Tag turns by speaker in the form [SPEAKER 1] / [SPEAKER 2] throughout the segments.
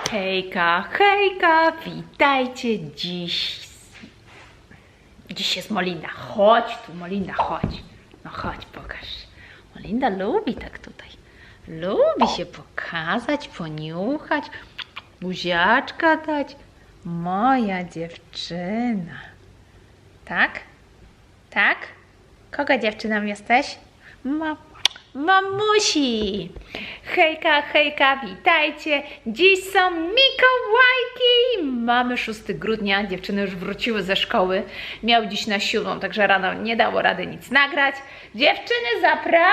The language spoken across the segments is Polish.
[SPEAKER 1] Hejka, hejka, witajcie dziś. Dziś jest Molinda. Chodź tu, Molinda, chodź. No chodź, pokaż. Molinda lubi tak tutaj. Lubi się pokazać, poniuchać, buziaczka dać. Moja dziewczyna. Tak? Tak? Kogo dziewczyną jesteś? Mamusi! Hejka, hejka, witajcie! Dziś są Mikołajki! Mamy 6 grudnia, dziewczyny już wróciły ze szkoły. Miał dziś na 7, także rano nie dało rady nic nagrać. Dziewczyny, zapraszam!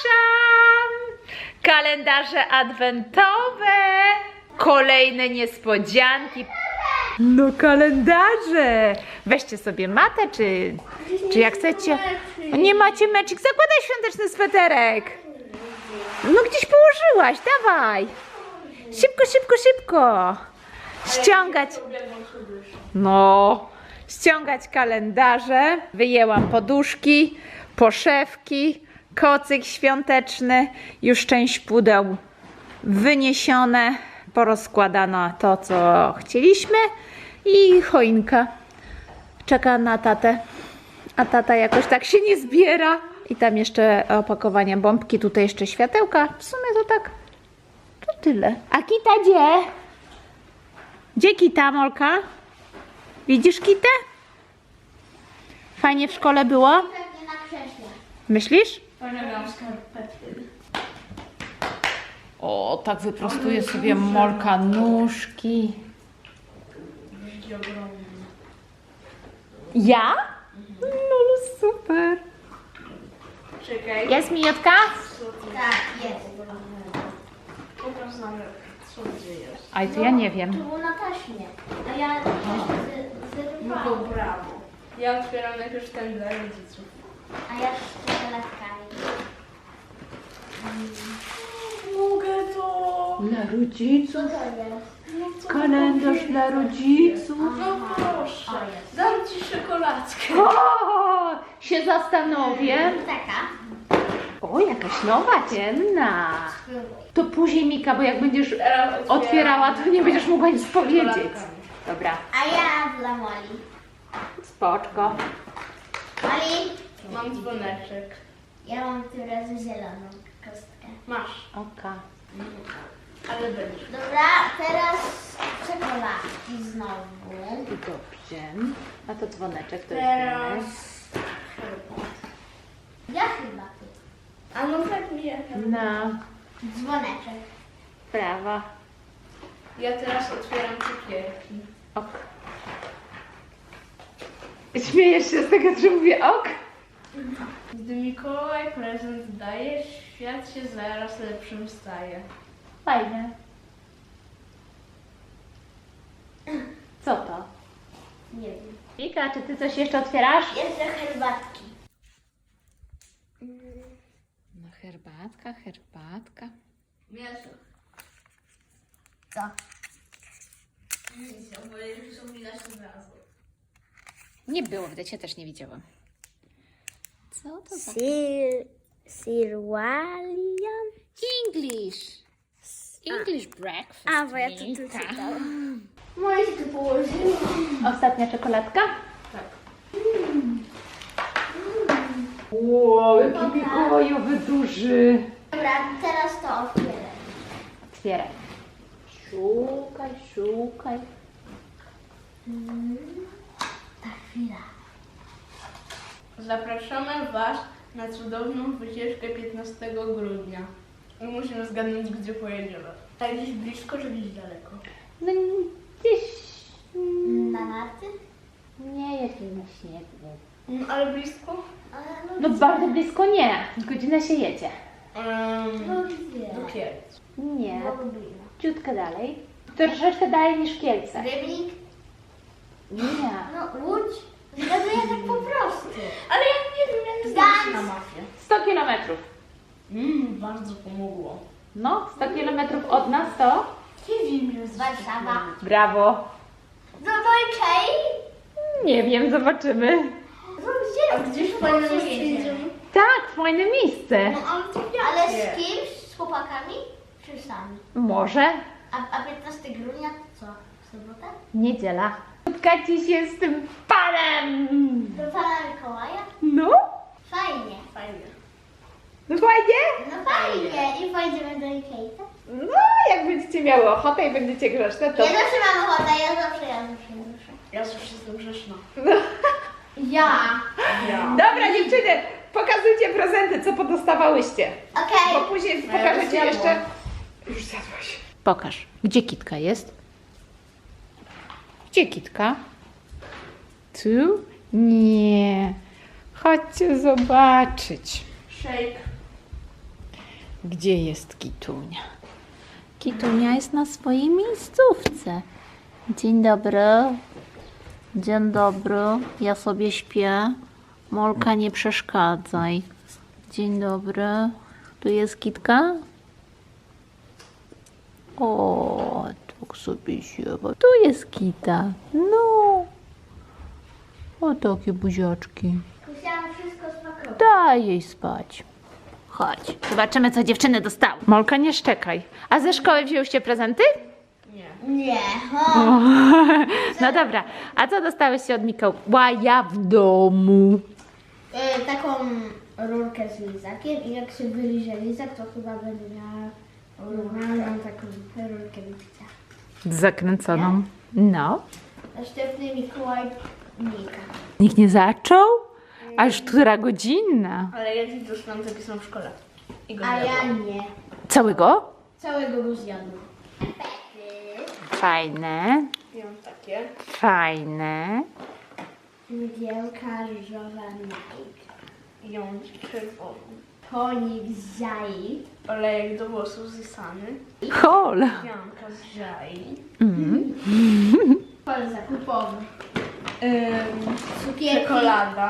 [SPEAKER 1] Kalendarze adwentowe! Kolejne niespodzianki. No kalendarze! Weźcie sobie matę, czy jak chcecie. Nie macie meczek? Zakładaj świąteczny sweterek. No gdzieś położyłaś, dawaj. Szybko, szybko, szybko. Ściągać. No, ściągać kalendarze. Wyjęłam poduszki, poszewki, kocyk świąteczny. Już część pudeł wyniesione. Porozkładano to, co chcieliśmy. I choinka czeka na tatę. A tata jakoś tak się nie zbiera. I tam jeszcze opakowanie bombki, tutaj jeszcze światełka. W sumie to tak, to tyle. A Kita gdzie? Gdzie Kita, Molka? Widzisz Kitę? Fajnie w szkole było?
[SPEAKER 2] Pewnie na krześle.
[SPEAKER 1] Myślisz?
[SPEAKER 2] Pożegam skarpetki.
[SPEAKER 1] O, tak wyprostuje sobie Molka nóżki. Ja? No super.
[SPEAKER 2] Czekaj.
[SPEAKER 1] Jest Mijotka?
[SPEAKER 2] Tak, jest.
[SPEAKER 3] Pokaż nam, co gdzie jest.
[SPEAKER 1] Aj, to ja nie wiem.
[SPEAKER 2] Tu było na taśmie. A ja
[SPEAKER 3] No to brawo. Ja otwieram najpierw ten dla rodziców.
[SPEAKER 2] A ja z czekolatkami.
[SPEAKER 3] Mogę to!
[SPEAKER 1] Dla rodziców?
[SPEAKER 2] Co to jest?
[SPEAKER 1] Kalendarz dla rodziców.
[SPEAKER 3] No proszę. Dam ci czekoladkę.
[SPEAKER 1] O, się zastanowię.
[SPEAKER 2] Taka.
[SPEAKER 1] O, jakaś nowa, ciemna. To później, Mika, bo jak będziesz
[SPEAKER 3] Teraz
[SPEAKER 1] otwierała, to nie będziesz mogła nic powiedzieć.
[SPEAKER 3] czekoladkami.
[SPEAKER 1] Dobra,
[SPEAKER 2] A ja dla Moli.
[SPEAKER 1] spoczko.
[SPEAKER 2] Moli,
[SPEAKER 3] Mam dzwoneczek.
[SPEAKER 2] ja mam tym razem zieloną kostkę.
[SPEAKER 3] Masz.
[SPEAKER 1] Oka.
[SPEAKER 3] Ale będzie.
[SPEAKER 2] Dobra, teraz czekoladki znowu.
[SPEAKER 1] Dobrze. A to dzwoneczek to
[SPEAKER 3] Teraz
[SPEAKER 1] jest.
[SPEAKER 3] herbat.
[SPEAKER 2] Ja chyba ty.
[SPEAKER 3] A no tak mi ja.
[SPEAKER 1] No,
[SPEAKER 2] Dzwoneczek.
[SPEAKER 1] prawa.
[SPEAKER 3] Ja teraz otwieram cukierki.
[SPEAKER 1] Ok. Śmiejesz się z tego, że mówię ok?
[SPEAKER 3] Gdy Mikołaj prezent daje, świat się zaraz lepszym staje.
[SPEAKER 1] Fajne. Co to?
[SPEAKER 2] Nie wiem.
[SPEAKER 1] Mika, czy ty coś jeszcze otwierasz?
[SPEAKER 2] Jeszcze herbatki.
[SPEAKER 1] No herbatka.
[SPEAKER 3] Mięso.
[SPEAKER 2] Co?
[SPEAKER 3] Nic, bo już są widać od razu.
[SPEAKER 1] Nie było, widać, ja też nie widziałam. Co to za...
[SPEAKER 2] Sirwalian?
[SPEAKER 1] English. English breakfast.
[SPEAKER 2] A, bo ja to tu
[SPEAKER 1] Mika.
[SPEAKER 2] czytałam. Moje się tu położyło.
[SPEAKER 1] Ostatnia czekoladka?
[SPEAKER 3] Tak.
[SPEAKER 1] Wow, jaki mikołajowy duży.
[SPEAKER 2] Dobra, teraz to otwieraj.
[SPEAKER 1] Otwieraj. Szukaj.
[SPEAKER 2] Ta chwila.
[SPEAKER 3] Zapraszamy Was na cudowną wycieczkę 15 grudnia. I musimy zgadnąć, gdzie pojedziemy. A gdzieś blisko, czy gdzieś daleko?
[SPEAKER 1] No gdzieś...
[SPEAKER 2] Na narty?
[SPEAKER 1] Nie, jakiś na śniegu.
[SPEAKER 3] No, ale blisko?
[SPEAKER 1] No bardzo blisko nie. Godzinę się jedzie.
[SPEAKER 2] No gdzie?
[SPEAKER 3] Do Kielc.
[SPEAKER 1] Nie.
[SPEAKER 2] Do Lublina.
[SPEAKER 1] Ciutkę dalej. Troszeczkę dalej niż Kielce.
[SPEAKER 2] Rybnik?
[SPEAKER 1] Nie.
[SPEAKER 2] No Łódź? Zgaduję tak po prostu.
[SPEAKER 3] Ale ja nie wiem, jak
[SPEAKER 2] Gdańsk.
[SPEAKER 3] na mapie.
[SPEAKER 1] 100 kilometrów.
[SPEAKER 3] Bardzo pomogło.
[SPEAKER 1] No, 100 kilometrów od nas to...
[SPEAKER 3] Nie wiem, jest
[SPEAKER 2] Warszawa.
[SPEAKER 1] Brawo.
[SPEAKER 2] Do Dojczej?
[SPEAKER 1] Nie wiem, zobaczymy.
[SPEAKER 2] No gdzie?
[SPEAKER 3] A gdzieś fajne miejsce
[SPEAKER 2] jedziemy?
[SPEAKER 3] jedziemy?
[SPEAKER 1] Tak, fajne miejsce.
[SPEAKER 2] No ale z kimś? Z chłopakami? Czy sami?
[SPEAKER 1] Może.
[SPEAKER 2] A 15 grudnia to co? W sobotę?
[SPEAKER 1] Niedziela. Spotkajcie się z tym panem!
[SPEAKER 2] Do pana Mikołaja?
[SPEAKER 1] No?
[SPEAKER 2] Fajnie.
[SPEAKER 3] Fajnie.
[SPEAKER 1] No fajnie?
[SPEAKER 2] No fajnie. I pojedziemy do Ikei, tak?
[SPEAKER 1] No, jak będziecie miały ochotę i będziecie grzeczne, to...
[SPEAKER 2] Ja zawsze mam ochotę, ja zawsze.
[SPEAKER 3] Ja zawsze jestem grzeczna.
[SPEAKER 2] Ja.
[SPEAKER 3] Ja.
[SPEAKER 1] Dobra dziewczyny, pokazujcie prezenty, co podostawałyście.
[SPEAKER 2] Okej.
[SPEAKER 1] Bo później
[SPEAKER 3] Ja
[SPEAKER 1] pokażę
[SPEAKER 3] już
[SPEAKER 1] ci
[SPEAKER 3] zjadłam.
[SPEAKER 1] jeszcze... Już zjadłaś. Pokaż, gdzie kitka jest? Gdzie kitka? Tu? Nie. Chodźcie zobaczyć.
[SPEAKER 3] Shake.
[SPEAKER 1] Gdzie jest Kitunia? Kitunia jest na swojej miejscówce. Dzień dobry. Dzień dobry. Ja sobie śpię. Molka, nie przeszkadzaj. Dzień dobry. Tu jest Kitka? O, tak sobie siewa. Tu jest Kita. No. O, takie buziaczki.
[SPEAKER 2] Musiałam wszystko spakować.
[SPEAKER 1] Daj jej spać. Chodź. Zobaczymy, co dziewczyny dostały. Molka, nie szczekaj. A ze szkoły wzięłyście prezenty?
[SPEAKER 3] Nie.
[SPEAKER 2] Nie.
[SPEAKER 1] No dobra. A co dostałyście od Mikołaja w domu?
[SPEAKER 2] Taką rurkę z lizakiem i jak się wyliże lizak, to chyba będę miała normalną taką rurkę do picia.
[SPEAKER 1] Zakręconą. No.
[SPEAKER 2] Następny Mikołaj Nika.
[SPEAKER 1] Nikt nie zaczął? A już która godzina?
[SPEAKER 3] Ale ja dziś dostałam zapisam w szkole. I go
[SPEAKER 2] A ja
[SPEAKER 3] zjadłam.
[SPEAKER 2] nie.
[SPEAKER 1] Całego?
[SPEAKER 2] Całego go zjadłam.
[SPEAKER 1] Fajne.
[SPEAKER 3] I mam takie.
[SPEAKER 1] Fajne.
[SPEAKER 2] Mgiełka różowa Nike.
[SPEAKER 3] I mam czerwoną.
[SPEAKER 2] Tonik z jaj.
[SPEAKER 3] Olejek do włosów z Isany.
[SPEAKER 1] Hol.
[SPEAKER 3] Janka z Jai.
[SPEAKER 2] Pol zakupowy. Cukierki.
[SPEAKER 3] Czekolada.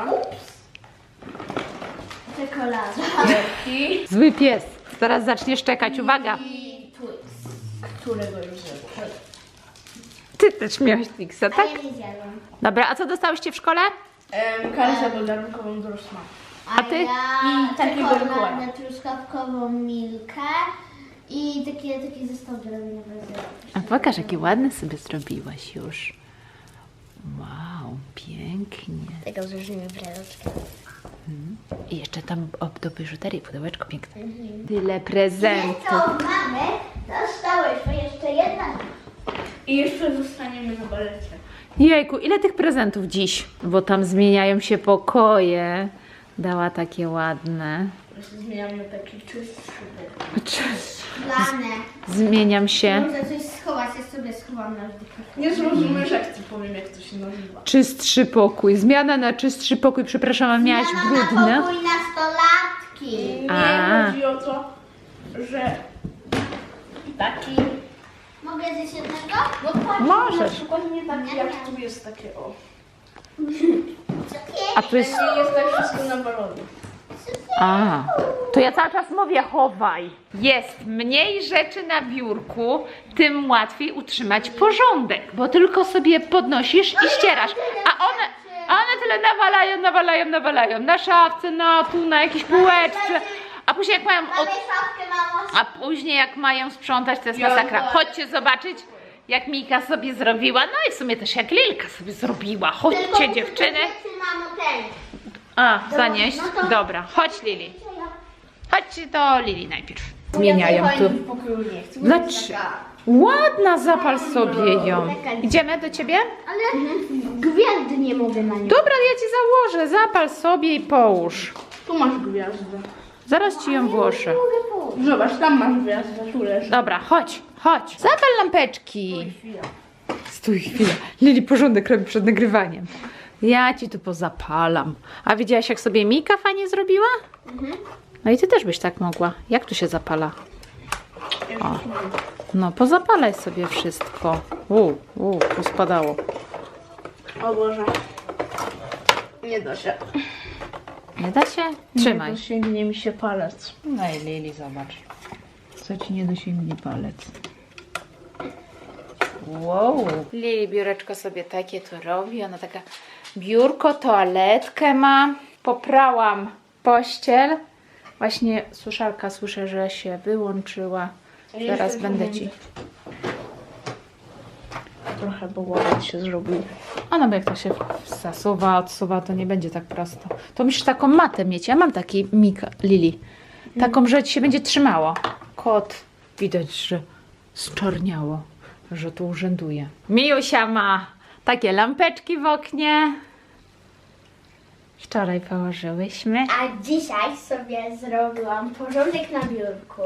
[SPEAKER 2] Czekolada.
[SPEAKER 3] Cukierki.
[SPEAKER 1] Zły pies. Zaraz zacznie szczekać. Uwaga.
[SPEAKER 2] I Twix.
[SPEAKER 3] Którego już zjadłam.
[SPEAKER 1] Ty też miałaś Twixa,
[SPEAKER 2] A
[SPEAKER 1] tak?
[SPEAKER 2] ja nie zjadłam.
[SPEAKER 1] Dobra, a co dostałyście w szkole?
[SPEAKER 3] Kartę podarunkową do Rosmana.
[SPEAKER 1] A ty?
[SPEAKER 2] Ja
[SPEAKER 3] I takiego
[SPEAKER 2] czekoladę
[SPEAKER 3] Mikołaja.
[SPEAKER 2] truskawkową milkę i taki zestaw drobinowy.
[SPEAKER 1] A pokaż, jakie ładne sobie zrobiłaś już. Wow, pięknie.
[SPEAKER 2] Tego zużymy breloczkę.
[SPEAKER 1] I jeszcze tam do biżuterii pudełeczko piękne. Tyle prezentów.
[SPEAKER 2] Co mamy? Dostałyśmy jeszcze jedna.
[SPEAKER 3] I jeszcze zostaniemy na balecie.
[SPEAKER 1] Jejku, ile tych prezentów dziś? Bo tam zmieniają się pokoje. Dała takie ładne.
[SPEAKER 3] Właśnie zmieniamy na taki czystszy bok.
[SPEAKER 2] Plane.
[SPEAKER 1] Zmieniam się.
[SPEAKER 2] Muszę coś schować, ja sobie schowam na wdychę.
[SPEAKER 3] Nie zrozumiesz, jak ci powiem, jak to się nazywa.
[SPEAKER 1] Czystszy pokój. Zmiana na czystszy pokój. Przepraszam, a miałaś brudny.
[SPEAKER 2] Na pokój nastolatki.
[SPEAKER 3] Nie
[SPEAKER 1] A.
[SPEAKER 3] chodzi o to, że taki...
[SPEAKER 2] Mogę zjeść jednego?
[SPEAKER 3] No tak,
[SPEAKER 1] Możesz.
[SPEAKER 3] na przykład nie tak jak tu jest takie o.
[SPEAKER 1] A tu jest...
[SPEAKER 3] Nie jest tak wszystko na balonie.
[SPEAKER 1] A, to ja cały czas mówię chowaj. Jest mniej rzeczy na biurku, tym łatwiej utrzymać porządek, bo tylko sobie podnosisz i ścierasz. A one tyle nawalają na szafce, na jakiejś półeczce. A później jak mają
[SPEAKER 2] Mamy szafkę, mamo.
[SPEAKER 1] a później jak mają sprzątać, to jest masakra. Chodźcie zobaczyć, jak Mika sobie zrobiła. No i w sumie też jak Lilka sobie zrobiła. Chodźcie dziewczyny.
[SPEAKER 2] Mamo, ten.
[SPEAKER 1] A, zanieść?
[SPEAKER 2] no to-
[SPEAKER 1] Dobra, chodź Lili. Chodźcie do Lili najpierw. Zmieniają tu.
[SPEAKER 3] W pokoju nie chcę.
[SPEAKER 1] Dlaczego? Ładna, zapal sobie ją. Idziemy do ciebie?
[SPEAKER 2] Ale gwiazdy nie mogę na nią.
[SPEAKER 1] Dobra, ja ci założę. Zapal sobie i połóż.
[SPEAKER 3] Tu masz gwiazdę.
[SPEAKER 1] Zaraz ci ją włożę.
[SPEAKER 2] Mogę położyć.
[SPEAKER 3] Zobacz, tam masz gwiazdę, tu leży.
[SPEAKER 1] Dobra, chodź. Zapal lampeczki.
[SPEAKER 3] Chwila.
[SPEAKER 1] Stój chwilę. Lili porządek robi przed nagrywaniem. Ja ci tu pozapalam. A widziałaś, jak sobie Mika fajnie zrobiła? No i ty też byś tak mogła. Jak tu się zapala? O. No, pozapalaj sobie wszystko. Pospadało.
[SPEAKER 3] O Boże. Nie da się.
[SPEAKER 1] Nie da się? Trzymaj.
[SPEAKER 3] Nie dosięgnie mi się palec.
[SPEAKER 1] No i Lili, zobacz. Co ci nie dosięgnie palec. Wow. Lili biureczko sobie takie to robi. Ona taka biurko, toaletkę ma. Poprałam pościel. Właśnie suszarka słyszę, że się wyłączyła. Zaraz będę ci trochę, bo ładnie się zrobił. A no bo jak to się zasuwa, odsuwa, to nie będzie tak prosto. To musisz taką matę mieć. Ja mam taki Lili. Taką, że ci się będzie trzymało. Kot widać, że zczorniało, że tu urzęduje. Miusia ma takie lampeczki w oknie. Wczoraj położyłyśmy.
[SPEAKER 2] A dzisiaj sobie zrobiłam porządek na biurku.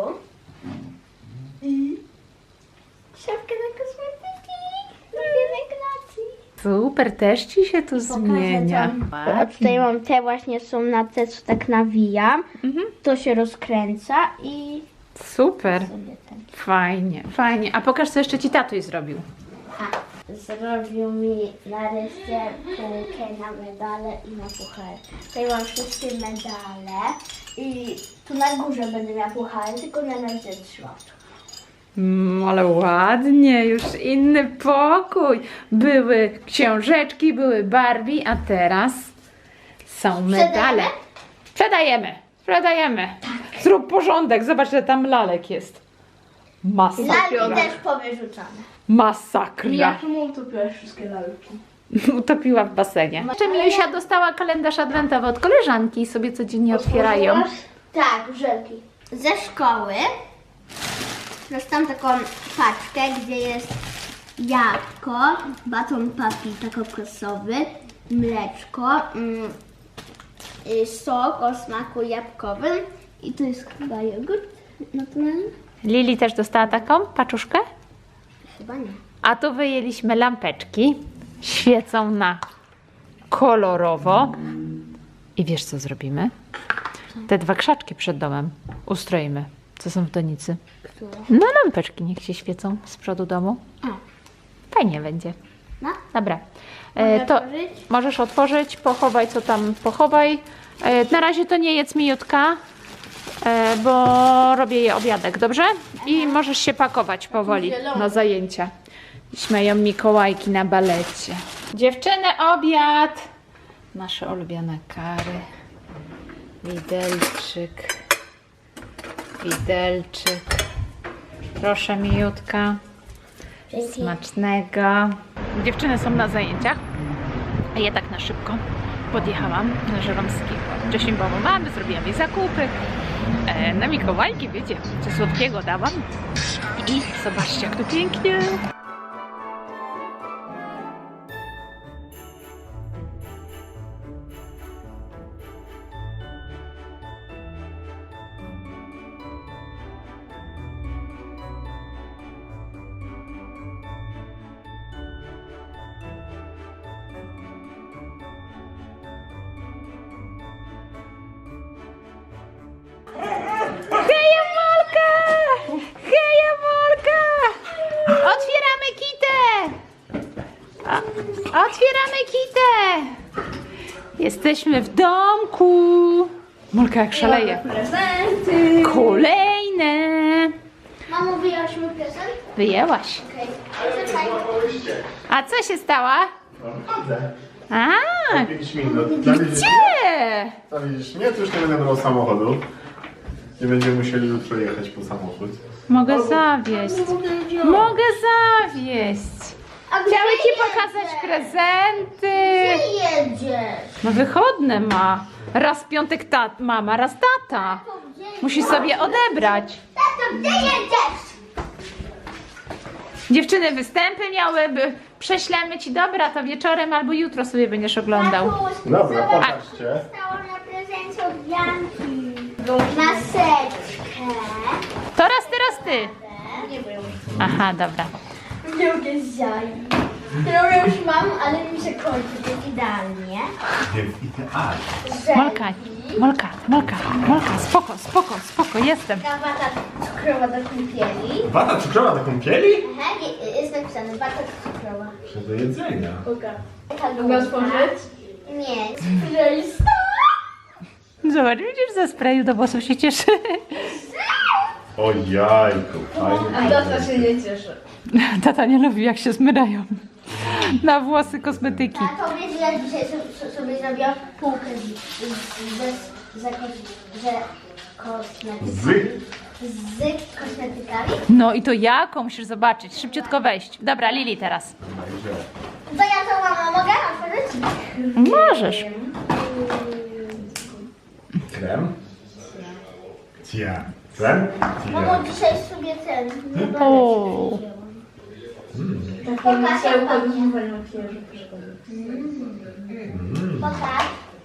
[SPEAKER 2] I szafkę na kosmetyki do pielęgnacji.
[SPEAKER 1] Super, też ci się tu zmienia.
[SPEAKER 2] A tutaj mam te właśnie są na te, co tak nawijam. To się rozkręca i
[SPEAKER 1] Super,
[SPEAKER 2] sobie ten.
[SPEAKER 1] fajnie, fajnie. A pokaż, co jeszcze ci tatuś zrobił.
[SPEAKER 2] Zrobił mi nareszcie półkę na medale i na puchary. Tutaj mam wszystkie medale i tu na górze będę miała puchary, tylko na razie trzymam.
[SPEAKER 1] Ale ładnie, już inny pokój. Były książeczki, były Barbie, a teraz są medale. Sprzedajemy, sprzedajemy. Zrób porządek, zobacz, że tam lalek jest. Masakra.
[SPEAKER 2] Lalki też powyrzucane.
[SPEAKER 1] Masakra.
[SPEAKER 3] Ja czemu utopiłaś wszystkie lalki?
[SPEAKER 1] Utopiła w basenie. Jeszcze Miusia dostała kalendarz adwentowy od koleżanki i sobie codziennie otwierają.
[SPEAKER 2] Tak, żelki. Ze szkoły dostałam taką paczkę, gdzie jest jabłko, baton papi kokosowy, mleczko, sok o smaku jabłkowym i to jest chyba jogurt naturalny?
[SPEAKER 1] Lili też dostała taką paczuszkę.
[SPEAKER 2] Chyba nie.
[SPEAKER 1] A tu wyjęliśmy lampeczki. Świecą na kolorowo. I wiesz, co zrobimy? Te dwa krzaczki przed domem ustroimy. Co są w donicy?
[SPEAKER 2] Które?
[SPEAKER 1] No lampeczki niech się świecą z przodu domu.
[SPEAKER 2] A.
[SPEAKER 1] Fajnie będzie.
[SPEAKER 2] No.
[SPEAKER 1] Dobra.
[SPEAKER 2] Mogę
[SPEAKER 1] To
[SPEAKER 2] otworzyć?
[SPEAKER 1] możesz otworzyć, pochowaj co tam pochowaj. Na razie to nie jedz mijutka, bo robię je obiadek, dobrze? I możesz się pakować powoli na zajęcia. Dziś mają Mikołajki na balecie. Dziewczyny, obiad! Nasze ulubione kary. Widelczyk. Widelczyk. Proszę mijutka. Smacznego. Dziewczyny są na zajęciach, a ja tak na szybko podjechałam na Żeromskiego. Wcześniej byłam u mamy, zrobiłam jej zakupy. Na Mikołajki, wiecie, co słodkiego dałam. I zobaczcie, jak tu pięknie. Heja Molka! Heja Molka! Otwieramy kitę! Otwieramy kitę! Jesteśmy w domku! Molka jak szaleje.
[SPEAKER 3] Prezenty!
[SPEAKER 1] Kolejne!
[SPEAKER 2] Mamo, wyjęłaś mój prezent?
[SPEAKER 1] Wyjęłaś.
[SPEAKER 2] Okej.
[SPEAKER 1] A co się stało?
[SPEAKER 4] Chodzę.
[SPEAKER 1] A,
[SPEAKER 4] 5 minut.
[SPEAKER 1] gdzie?
[SPEAKER 4] Tam widzisz, nie, to już nie będę brał samochodu. Nie będziemy musieli jutro jechać po samochód.
[SPEAKER 1] Mogę zawieźć. Mogę zawieźć.
[SPEAKER 2] A
[SPEAKER 1] Chciały ci pokazać prezenty.
[SPEAKER 2] Gdzie jedziesz?
[SPEAKER 1] No wychodne ma. Raz w piątek mama, raz tata. Musi sobie odebrać.
[SPEAKER 2] Tato, gdzie jedziesz?
[SPEAKER 1] Dziewczyny występy miałyby. Prześlemy ci, dobra, to wieczorem albo jutro sobie będziesz oglądał.
[SPEAKER 4] Dobra, pokażcie.
[SPEAKER 2] Dostałam na prezencie od Janki. Maseczkę.
[SPEAKER 1] To raz ty.
[SPEAKER 2] Nie wiem.
[SPEAKER 1] Aha, dobra.
[SPEAKER 2] Lubię ziaj. Którą już mam, ale mi się kończy tak idealnie.
[SPEAKER 4] Idealnie.
[SPEAKER 1] Molka, spoko, jestem.
[SPEAKER 2] Wata cukrowa do kąpieli.
[SPEAKER 4] Wata cukrowa do kąpieli?
[SPEAKER 2] Aha, jest napisane wata cukrowa.
[SPEAKER 4] Czy do jedzenia?
[SPEAKER 3] Mogę otworzyć?
[SPEAKER 2] Nie, spraysta.
[SPEAKER 1] Zobacz, widzisz, ze sprayu do włosów się cieszy.
[SPEAKER 4] O jajku, fajny.
[SPEAKER 3] A tata się nie cieszy.
[SPEAKER 1] Tata nie lubi, jak się zmyrają na włosy kosmetyki.
[SPEAKER 2] A to wiesz, że dzisiaj sobie zrobiłam półkę ze kosmetykami. z kosmetykami.
[SPEAKER 1] No i to jaką? Musisz zobaczyć. Szybciutko wejść. Dobra, Lili teraz.
[SPEAKER 2] To ja to mama mogę otworzyć?
[SPEAKER 1] Możesz.
[SPEAKER 4] Krem? Cia. Krem?
[SPEAKER 2] Mamo, dzisiaj sobie ten.
[SPEAKER 1] O.
[SPEAKER 2] Pokaż, jak ładnie. Pokaż.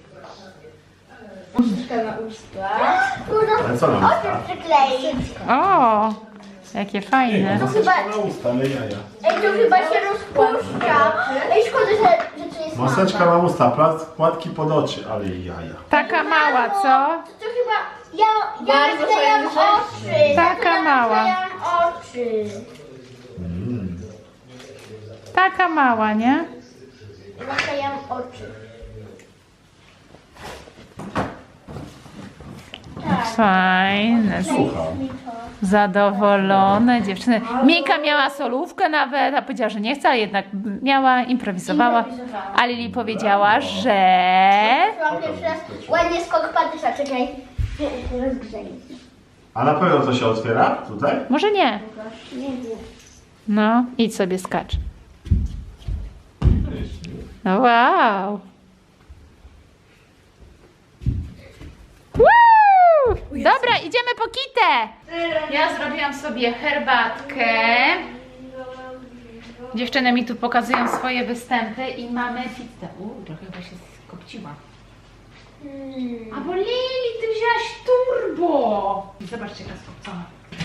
[SPEAKER 3] Uszka na usta.
[SPEAKER 4] Ale co na usta?
[SPEAKER 2] Oczy przykleić.
[SPEAKER 1] O, jakie fajne.
[SPEAKER 2] To chyba,
[SPEAKER 4] Na usta, ale jaja.
[SPEAKER 2] ej, to chyba się rozpuszcza. Ej, szkoda, że to jest
[SPEAKER 4] Maseczka
[SPEAKER 2] mała.
[SPEAKER 4] na usta, płatki pod oczy, ale jaja.
[SPEAKER 1] Taka mała, co?
[SPEAKER 2] To chyba, ja
[SPEAKER 3] Bardzo
[SPEAKER 2] naklejam
[SPEAKER 3] fajny
[SPEAKER 2] oczy.
[SPEAKER 1] Taka
[SPEAKER 2] ja
[SPEAKER 1] mała.
[SPEAKER 2] naklejam oczy.
[SPEAKER 1] Taka mała, nie?
[SPEAKER 2] Naklejam oczy. Tak.
[SPEAKER 1] Fajne.
[SPEAKER 4] Słucham.
[SPEAKER 2] Mi to.
[SPEAKER 1] Zadowolone dziewczyny. Mika miała solówkę nawet, a powiedziała, że nie chce, ale jednak miała, improwizowała.
[SPEAKER 2] Improwizowała.
[SPEAKER 1] A Lili powiedziała, że...
[SPEAKER 2] Mam pierwszy raz ładnie skok patyka, czekaj. Rozgrzeję.
[SPEAKER 4] A na pewno to się otwiera tutaj?
[SPEAKER 1] Może nie.
[SPEAKER 2] Nie wiem.
[SPEAKER 1] No, idź sobie skacz. No wow. Woo! Dobra, idziemy po kitę. Ja zrobiłam sobie herbatkę. Dziewczyny mi tu pokazują swoje występy i mamy pizzę. Trochę chyba się skopciła. A bo Lili, ty wzięłaś turbo. Zobaczcie, jaka skopcona.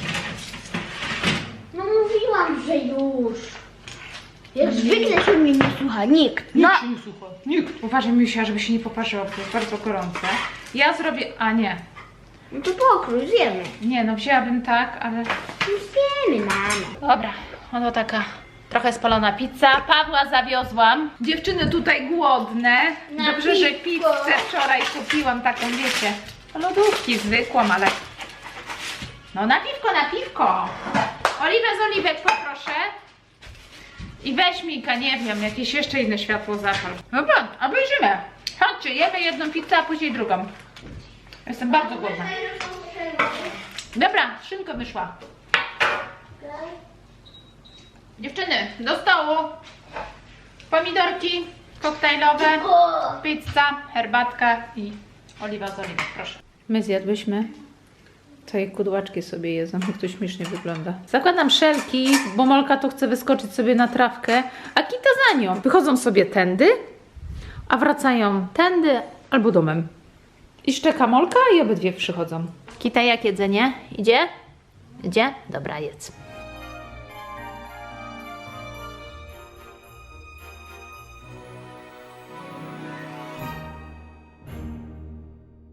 [SPEAKER 2] No mówiłam, że już. Jak zwykle się mnie nie słucha nikt.
[SPEAKER 1] Nikt się nie słucha. Nikt. Uważaj, Misia, żeby się nie poparzyło, bo to jest bardzo gorące. Ja zrobię... A nie.
[SPEAKER 2] No to pokrój, zjemy.
[SPEAKER 1] Nie, no wzięłabym tak, ale...
[SPEAKER 2] Zjemy, mamo.
[SPEAKER 1] Dobra, oto taka trochę spalona pizza. Pawła zawiozłam. Dziewczyny tutaj głodne.
[SPEAKER 2] Na
[SPEAKER 1] Dobrze, że
[SPEAKER 2] piwko.
[SPEAKER 1] pizzę wczoraj kupiłam taką, wiecie, lodówki zwykłą, ale... No na piwko. Oliwę z oliwek poproszę. I weź Mika, nie wiem, jakieś jeszcze inne światło zapal. Dobra, obejrzymy. Chodźcie, jemy jedną pizzę, a później drugą. Jestem bardzo głodna. Dobra, szynka wyszła. Dziewczyny, do stołu. Pomidorki koktajlowe, pizza, herbatka i oliwa z oliwek, proszę. My zjadłyśmy. Tutaj kudłaczki sobie jedzą, jak to śmiesznie wygląda. Zakładam szelki, bo Molka to chce wyskoczyć sobie na trawkę, a Kita za nią. Wychodzą sobie tędy, a wracają tędy albo domem. I szczeka Molka i obydwie przychodzą. Kita, jak jedzenie? Idzie? Idzie? Dobra, jedz.